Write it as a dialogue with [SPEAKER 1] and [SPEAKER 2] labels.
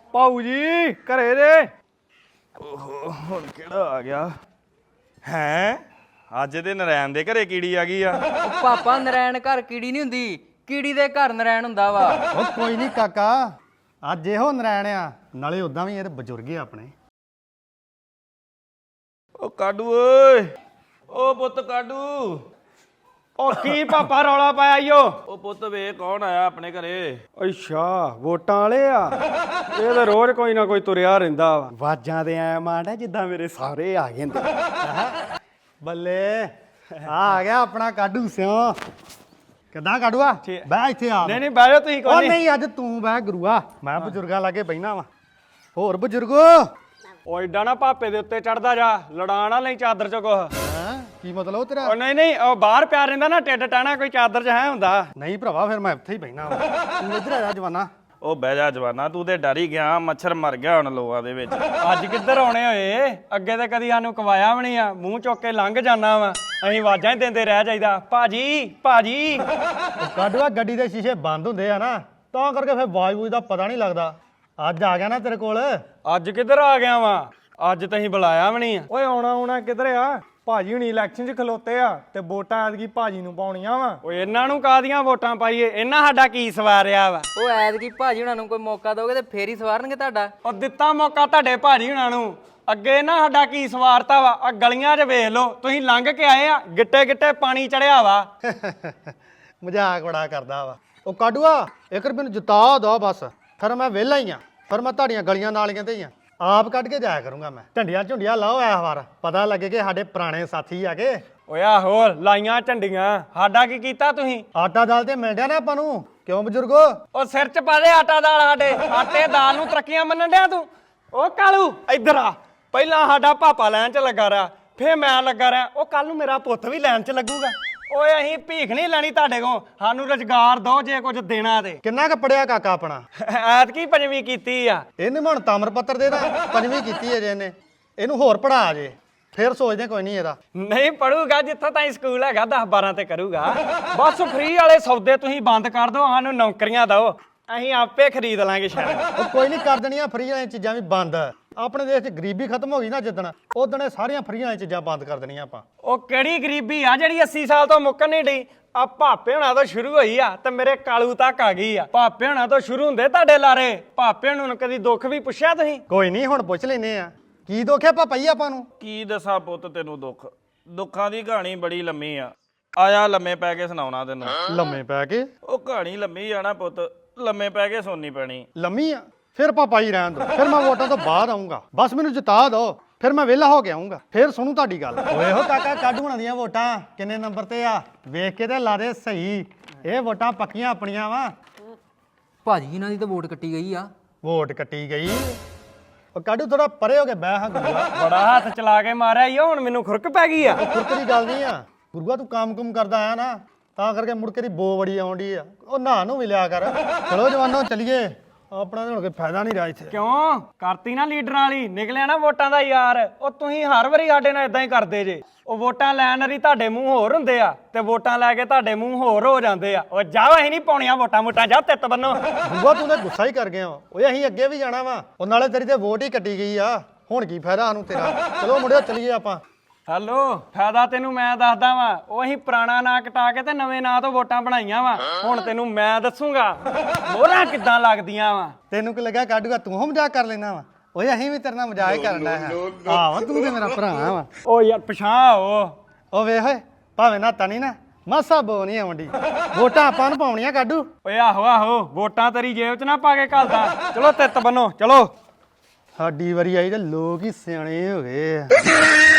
[SPEAKER 1] ਭਾਊ ਜੀ ਘਰੇ ਜੇ। ਓਹੋ ਹੁਣ ਕਿਹੜਾ ਆ ਗਿਆ ਹੈ? ਅੱਜ ਤੇ ਨਰੈਣ ਦੇ ਘਰੇ ਕੀੜੀ ਆ ਗਈ ਆ।
[SPEAKER 2] ਉਹ ਪਾਪਾ ਨਰੈਣ ਘਰ ਕੀੜੀ ਨਹੀਂ ਹੁੰਦੀ, ਕੀੜੀ ਦੇ ਘਰ ਨਰੈਣ ਹੁੰਦਾ ਵਾ।
[SPEAKER 3] ਉਹ ਕੋਈ ਨਹੀਂ ਕਾਕਾ, ਅੱਜ ਇਹੋ ਨਰੈਣ ਆ, ਨਾਲੇ ਉਦਾਂ ਵੀ ਇਹ ਬਜ਼ੁਰਗ ਆ ਆਪਣੇ।
[SPEAKER 1] ਉਹ ਕਾਡੂ ਓਏ, ਉਹ ਪੁੱਤ ਕਾਡੂ। ਉਹ ਕੀ ਪਾਪਾ ਰੌਲਾ ਪਾਇਆ ਈਓ? ਉਹ ਪੁੱਤ ਵੇ ਕੌਣ ਆਇਆ ਆਪਣੇ ਘਰੇ? ਅੱਛਾ ਵੋਟਾਂ ਵਾਲੇ ਆ। ਇਹ ਤਾਂ ਰੋਜ਼ ਕੋਈ ਨਾ ਕੋਈ ਤੁਰਿਆ ਰਹਿੰਦਾ ਵਾ।
[SPEAKER 3] ਵਾਜਾਂ ਦੇ ਐ ਮਾਂਡਾ ਜਿੱਦਾਂ ਮੇਰੇ ਸਾਰੇ ਆ ਗਏ ਨੇ। ਬੱਲੇ ਆ ਗਿਆ ਆਪਣਾ ਕਾਡੂ ਸਿਓ। ਕਿੱਦਾਂ ਕਾਡੂਆ? ਬਹਿ ਇੱਥੇ ਆ।
[SPEAKER 1] ਨਹੀਂ ਬਹਿ ਜਾ ਤੁਸੀਂ।
[SPEAKER 3] ਉਹ ਨਹੀਂ ਅੱਜ ਤੂੰ ਬਹਿ ਗੁਰੂਆ, ਮੈਂ ਬਜ਼ੁਰਗਾਂ ਲਾਗੇ ਬਹਿਣਾ ਵਾ। ਹੋਰ ਬਜ਼ੁਰਗੋ
[SPEAKER 1] ਉਹ ਏਡਾ ਨਾ ਭਾਪੇ ਦੇ ਉੱਤੇ ਚੜਦਾ ਜਾ, ਲੜਾ ਨਾ ਲਈ ਚਾਦਰ ਚ ਕੁਛ।
[SPEAKER 3] ਹੈਂ ਕੀ ਮਤਲਬ ਤੇਰਾ?
[SPEAKER 1] ਉਹ ਨਹੀਂ ਉਹ ਬਾਹਰ ਪਿਆ ਰਹਿੰਦਾ ਨਾ, ਟਿੱਡ ਟਾਣਾ ਕੋਈ ਚਾਦਰ ਚ ਹੈ ਹੁੰਦਾ।
[SPEAKER 3] ਨਹੀਂ ਭਰਾਵਾ ਫਿਰ ਮੈਂ ਇੱਥੇ ਹੀ ਬਹਿਣਾ ਵਾ। ਤੂੰ ਇੱਧਰ ਆ ਜਾ ਜਵਾਨਾ।
[SPEAKER 1] ਉਹ ਬਹਿ ਜਾ ਜਵਾਨਾ, ਤੂੰ ਤੇ ਡਰ ਹੀ ਗਿਆ। ਮੱਛਰ ਮਰ ਗਿਆ ਹੁਣ ਲੋਆਂ ਦੇ ਵਿੱਚ। ਅੱਜ ਕਿੱਧਰ ਆਉਣੇ ਹੋਏ? ਅੱਗੇ ਤੇ ਕਦੀ ਸਾਨੂੰ ਕਵਾਇਆ ਵੀ ਨਹੀਂ ਆ, ਮੂੰਹ ਚੁੱਕ ਕੇ ਲੰਘ ਜਾਣਾ ਵਾ। ਅਸੀਂ ਆਵਾਜ਼ਾਂ ਹੀ ਦਿੰਦੇ ਰਹਿ ਜਾਈਦਾ, ਭਾਜੀ ਭਾਜੀ।
[SPEAKER 3] ਕਾਡੂਆ ਗੱਡੀ ਦੇ ਸ਼ੀਸ਼ੇ ਬੰਦ ਹੁੰਦੇ ਆ ਨਾ, ਤਾਂ ਕਰਕੇ ਫਿਰ ਆਵਾਜ਼ ਦਾ ਪਤਾ ਨਹੀਂ ਲੱਗਦਾ। ਅੱਜ ਆ ਗਿਆ ਨਾ ਤੇਰੇ ਕੋਲ।
[SPEAKER 1] ਅੱਜ ਕਿੱਧਰ ਆ ਗਿਆ ਵਾ? ਅੱਜ ਤਾਂ ਅਸੀਂ ਬੁਲਾਇਆ ਵੀ ਨਹੀਂ ਆ। ਓਏ ਆਉਣਾ ਕਿੱਧਰ ਆ? ਭਾਜੀ ਹੁਣੀ ਇਲੈਕਸ਼ਨ 'ਚ ਖਲੋਤੇ ਆ ਤੇ ਵੋਟਾਂ ਐਤਕੀ ਭਾਜੀ ਨੂੰ ਪਾਉਣੀਆਂ ਵਾ। ਓਏ ਇਹਨਾਂ ਨੂੰ ਕਾਹਦੀਆਂ ਵੋਟਾਂ ਪਾਈਏ? ਇਹਨਾਂ ਸਾਡਾ ਕੀ ਸਵਾਰਿਆ ਵਾ?
[SPEAKER 2] ਉਹ ਐਤਕੀ ਭਾਜੀ ਹੁਣਾਂ ਨੂੰ ਕੋਈ ਮੌਕਾ ਦੋਗੇ ਤੇ ਫੇਰ ਹੀ ਸਵਾਰਨਗੇ ਤੁਹਾਡਾ।
[SPEAKER 1] ਉਹ ਦਿੱਤਾ ਮੌਕਾ ਤੁਹਾਡੇ ਭਾਜੀ ਹੁਣਾਂ ਨੂੰ, ਅੱਗੇ ਨਾ ਸਾਡਾ ਕੀ ਸਵਾਰਤਾ ਵਾ? ਆ ਗਲੀਆਂ 'ਚ ਵੇਖ ਲਓ, ਤੁਸੀਂ ਲੰਘ ਕੇ ਆਏ ਆ, ਗਿੱਟੇ ਗਿੱਟੇ ਪਾਣੀ ਚੜਿਆ ਵਾ।
[SPEAKER 3] ਮਜ਼ਾਕ ਬੜਾ ਕਰਦਾ ਵਾ। ਉਹ ਕਾਡੂਆ 1 ਰੁਪਏ ਨੂੰ ਜਿਤਾ ਦੋ ਬਸ, ਫਿਰ ਮੈਂ ਵਿਹਲਾ ਹੀ ਆ। ਫਿਰ ਮੈਂ ਤੁਹਾਡੀਆਂ ਗਲੀਆਂ ਨਾਲੀਆਂ ਤੇ ਹੀ ਆ, ਆਪ ਕੱਢ ਕੇ ਜਾਇਆ ਕਰੂੰਗਾ ਮੈਂ। ਝੰਡੀਆਂ ਝੁੰਡੀਆਂ ਲਾਓ ਐ ਵਾਰ, ਪਤਾ ਲੱਗੇ ਕਿ ਸਾਡੇ ਪੁਰਾਣੇ ਸਾਥੀ ਆ ਕੇ।
[SPEAKER 1] ਓਏ ਆਹੋ ਲਾਈਆਂ ਝੰਡੀਆਂ, ਸਾਡਾ ਕੀ ਕੀਤਾ ਤੁਸੀਂ?
[SPEAKER 3] ਆਟਾ ਦਾਲ ਤੇ ਮਿਲ ਡਿਆ ਨਾ ਆਪਾਂ ਨੂੰ, ਕਿਉਂ ਬਜ਼ੁਰਗੋ?
[SPEAKER 1] ਉਹ ਸਿਰ 'ਚ ਪਾ ਦੇ ਆਟਾ ਦਾਲ ਸਾਡੇ। ਆਟੇ ਦਾਲ ਨੂੰ ਤਰੱਕੀਆਂ ਮੰਨਣ ਡਿਆ ਤੂੰ? ਉਹ ਕਾਲੂ ਇੱਧਰ ਆ। ਪਹਿਲਾਂ ਸਾਡਾ ਪਾਪਾ ਲੈਣ 'ਚ ਲੱਗਾ ਰਿਹਾ, ਫੇਰ ਮੈਂ ਲੱਗਾ ਰਿਹਾ, ਉਹ ਕੱਲ ਨੂੰ ਮੇਰਾ ਪੁੱਤ ਵੀ ਲੈਣ 'ਚ ਲੱਗੂਗਾ। ਓਏ ਅਸੀਂ ਭੀਖ ਨਹੀਂ ਲੈਣੀ ਤੁਹਾਡੇ ਕੋਲ, ਸਾਨੂੰ ਰੁਜ਼ਗਾਰ ਦੋ ਜੇ ਕੁਝ ਦੇਣਾ ਤੇ।
[SPEAKER 3] ਕਿੰਨਾ ਕੁ ਪੜਿਆ ਕਾਕਾ ਆਪਣਾ?
[SPEAKER 1] ਐਤਕੀ 5ਵੀਂ ਕੀਤੀ ਆ।
[SPEAKER 3] ਇਹਨੇ ਹੁਣ ਤਾਮਰ ਪੱਤਰ ਦੇ ਦਾ 5ਵੀਂ ਕੀਤੀ ਹੈ ਜੇ ਇਹਨੇ। ਇਹਨੂੰ ਹੋਰ ਪੜਾ ਜੇ, ਫਿਰ ਸੋਚਦੇ ਕੋਈ ਨਹੀਂ ਇਹਦਾ।
[SPEAKER 1] ਨਹੀਂ ਪੜੂਗਾ, ਜਿੱਥੋਂ ਤਾਈਂ ਸਕੂਲ ਹੈਗਾ 10-12 ਤੇ ਕਰੂਗਾ। ਬਸ ਫ੍ਰੀ ਵਾਲੇ ਸੌਦੇ ਤੁਸੀਂ ਬੰਦ ਕਰ ਦਿਓ, ਸਾਨੂੰ ਨੌਕਰੀਆਂ ਦਿਓ, ਅਸੀਂ ਆਪੇ ਖਰੀਦ ਲਾਂਗੇ ਸ਼ਾਇਦ।
[SPEAKER 3] ਉਹ ਕੋਈ ਨਹੀਂ ਕਰ ਦੇਣੀਆਂ ਫਰੀ ਵਾਲੀਆਂ ਚੀਜ਼ਾਂ ਵੀ ਬੰਦ। ਆਪਣੇ ਦੇਸ਼ 'ਚ ਗਰੀਬੀ ਖਤਮ ਹੋ ਗਈ ਨਾ ਜਿੱਦਣ, ਉਦਣ ਇਹ ਸਾਰੀਆਂ ਫਰੀ ਵਾਲੀਆਂ ਚੀਜ਼ਾਂ ਬੰਦ ਕਰ ਦੇਣੀਆਂ ਆਪਾਂ।
[SPEAKER 1] ਉਹ ਕਿਹੜੀ ਗਰੀਬੀ ਆ ਜਿਹੜੀ 80 ਸਾਲ ਤੋਂ ਮੁੱਕਣ ਨਹੀਂ ਡਈ? ਆ ਭਾਪੇ ਹੁਣਾਂ ਤੋਂ ਸ਼ੁਰੂ ਹੋਈ ਆ ਤੇ ਮੇਰੇ ਕਾਲੂ ਤੱਕ ਆ ਗਈ ਆ। ਭਾਪੇ ਹੁਣਾਂ ਤੋਂ ਸ਼ੁਰੂ ਹੁੰਦੇ ਤੁਹਾਡੇ ਲਾਰੇ। ਭਾਪੇ ਹੁਣਾਂ ਨੂੰ ਕਦੀ ਦੁੱਖ ਵੀ ਪੁੱਛਿਆ ਤੁਸੀਂ?
[SPEAKER 3] ਕੋਈ ਨਹੀਂ ਹੁਣ ਪੁੱਛ ਲੈਨੇ ਆ, ਕੀ ਦੁੱਖ ਹੈ ਪਾਪਾ ਜੀ ਆਪਾਂ ਨੂੰ?
[SPEAKER 1] ਕੀ ਦੱਸਾਂ ਪੁੱਤ ਤੈਨੂੰ ਦੁੱਖ? ਦੁੱਖਾਂ ਦੀ ਕਹਾਣੀ ਬੜੀ ਲੰਮੀ ਆ, ਆਇਆ ਲੰਮੇ ਪੈ ਕੇ ਸੁਣਾਉਣਾ ਤੈਨੂੰ।
[SPEAKER 3] ਲੰਮੇ ਪੈ ਕੇ?
[SPEAKER 1] ਉਹ ਕਹਾਣੀ ਲੰਮੀ ਆ ਨਾ ਪੁੱਤ, ਲੰਮੇ ਪੈ ਕੇ ਸੁਣਨੀ ਪੈਣੀ।
[SPEAKER 3] ਲੰਮੀ ਆ? ਫਿਰ ਪਾਪਾ ਜੀ ਰਹਿਣ ਦੋ, ਫਿਰ ਮੈਂ ਵੋਟਾਂ ਤੋਂ ਬਾਅਦ ਆਉਂਗਾ। ਬਸ ਮੈਨੂੰ ਜਿਤਾ ਦਿਓ, ਫਿਰ ਮੈਂ ਵਿਹਲਾ ਹੋ ਕੇ ਆਉਂਗਾ, ਫਿਰ ਸੁਣੂ ਤੁਹਾਡੀ ਗੱਲ। ਓਏ ਹੋ ਕਾਕਾ ਕਾਡੂ ਹੁਣਾਂ ਦੀਆਂ ਵੋਟਾਂ ਕਿੰਨੇ ਨੰਬਰ ਤੇ ਆ? ਵੇਖ ਕੇ ਤੇ ਲਾ ਦੇ ਸਹੀ, ਇਹ ਵੋਟਾਂ ਪੱਕੀਆਂ ਆਪਣੀਆਂ ਵਾ।
[SPEAKER 2] ਭਾਜੀ ਇਹਨਾਂ ਦੀ ਤਾਂ ਵੋਟ ਕੱਟੀ ਗਈ ਆ।
[SPEAKER 3] ਵੋਟ ਕੱਟੀ ਗਈ? ਉਹ ਕਾਡੂ ਥੋੜਾ ਪਰੇ ਹੋ ਕੇ ਬਹਿ ਹਾਂ ਗੁਰੂਆ।
[SPEAKER 1] ਬੜਾ ਹੱਥ ਚਲਾ ਕੇ ਮਾਰਿਆ ਈ, ਹੁਣ ਮੈਨੂੰ ਖੁਰਕ ਪੈ ਗਈ ਆ।
[SPEAKER 3] ਉਹ ਖੁਰਕ ਦੀ ਗੱਲ ਨਹੀਂ ਆ ਗੁਰੂਆ, ਤੂੰ ਕੰਮ ਕਰਦਾ ਆਇਆ ਨਾ, ਤਾਂ ਕਰਕੇ ਮੁੜ ਕੇ ਦੀ ਬੋ ਬੜੀ ਆਉਂਦੀ ਆ। ਉਹ ਨਹਾ ਨੂੰ ਵੀ ਲਿਆ ਕਰ। ਚਲੋ ਜਵਾਨੋ ਚੱਲੀਏ, ਆਪਣਾ ਤਾਂ ਹੁਣ ਕੋਈ ਫਾਇਦਾ ਨਹੀਂ ਰਿਹਾ ਇੱਥੇ।
[SPEAKER 1] ਕਿਉਂ ਕਰਤੀ ਨਾ ਲੀਡਰਾਂ ਵਾਲੀ, ਨਿਕਲਿਆ ਨਾ ਵੋਟਾਂ ਦਾ ਯਾਰ। ਉਹ ਤੁਸੀਂ ਹਰ ਵਾਰੀ ਸਾਡੇ ਨਾਲ ਇਦਾਂ ਹੀ ਕਰਦੇ ਜੇ। ਉਹ ਵੋਟਾਂ ਲੈਣ ਵਾਲੀ ਤੁਹਾਡੇ ਮੂੰਹ ਹੋਰ ਹੁੰਦੇ ਆ ਤੇ ਵੋਟਾਂ ਲੈ ਕੇ ਤੁਹਾਡੇ ਮੂੰਹ ਹੋਰ ਹੋ ਜਾਂਦੇ ਆ। ਉਹ ਜਾਓ, ਅਸੀਂ ਨਹੀਂ ਪਾਉਣੀਆਂ ਵੋਟਾਂ ਜਾ ਤਿੱਤ ਬੰਨੋ।
[SPEAKER 3] ਗੁਰੂਆ ਤੂੰ ਤਾਂ ਗੁੱਸਾ ਹੀ ਕਰ ਗਿਆ ਵਾ। ਓਏ ਅਸੀਂ ਅੱਗੇ ਵੀ ਜਾਣਾ ਵਾ, ਉਹ ਨਾਲੇ ਤੇਰੀ ਤੇ ਵੋਟ ਹੀ ਕੱਟੀ ਗਈ ਆ, ਹੁਣ ਕੀ ਫਾਇਦਾ ਸਾਨੂੰ ਤੇਰਾ। ਚਲੋ ਮੁੰਡਿਓ ਚੱਲੀਏ ਆਪਾਂ।
[SPEAKER 1] ਹੈਲੋ, ਫਾਇਦਾ ਤੈਨੂੰ ਮੈਂ ਦੱਸਦਾ ਵਾ। ਉਹ ਅਸੀਂ ਪੁਰਾਣਾ ਨਾਂ ਕਟਾ ਕੇ ਤੇ ਨਵੇਂ ਨਾਂ ਤੋਂ ਵੋਟਾਂ ਬਣਾਈਆਂ ਵਾ। ਹੁਣ ਤੈਨੂੰ ਮੈਂ ਦੱਸੂਗਾ ਮੋਹਰਾਂ ਕਿੱਦਾਂ ਲੱਗਦੀਆਂ ਵਾ।
[SPEAKER 3] ਤੈਨੂੰ ਕੀ ਲੱਗਾ ਕਾਡੂਗਾ ਤੂੰ ਮਜ਼ਾਕ ਕਰ ਲੈਣਾ ਵਾ? ਓਏ ਅਸੀਂ ਵੀ ਤੇਰੇ ਨਾਲ ਮਜ਼ਾਕ ਹੀ ਕਰਨਾ ਹੈ। ਆਹ ਤੂੰ ਤੇ ਮੇਰਾ ਭਰਾ ਵਾ।
[SPEAKER 1] ਉਹ ਯਾਰ ਪਛਾਣ
[SPEAKER 3] ਉਹ ਵੇਖ ਓਏ, ਭਾਵੇਂ ਨਾ ਤਣੀ ਨਾ ਮਾਸਾ ਬੋ ਨਹੀਂ ਆਉਂਦੀ। ਵੋਟਾਂ ਆਪਾਂ ਨੂੰ ਪਾਉਣੀਆਂ ਕਾਡੂ।
[SPEAKER 1] ਓਏ ਆਹੋ ਵੋਟਾਂ ਤੇਰੀ ਜੇਬ 'ਚ ਨਾ ਪਾ ਕੇ ਘੱਲਦਾ। ਚਲੋ ਤਿੱਤ ਬੰਨੋ ਚਲੋ।
[SPEAKER 3] ਸਾਡੀ ਵਾਰੀ ਆਈ ਤੇ ਲੋਕ ਹੀ ਸਿਆਣੇ ਹੋ ਗਏ ਆ।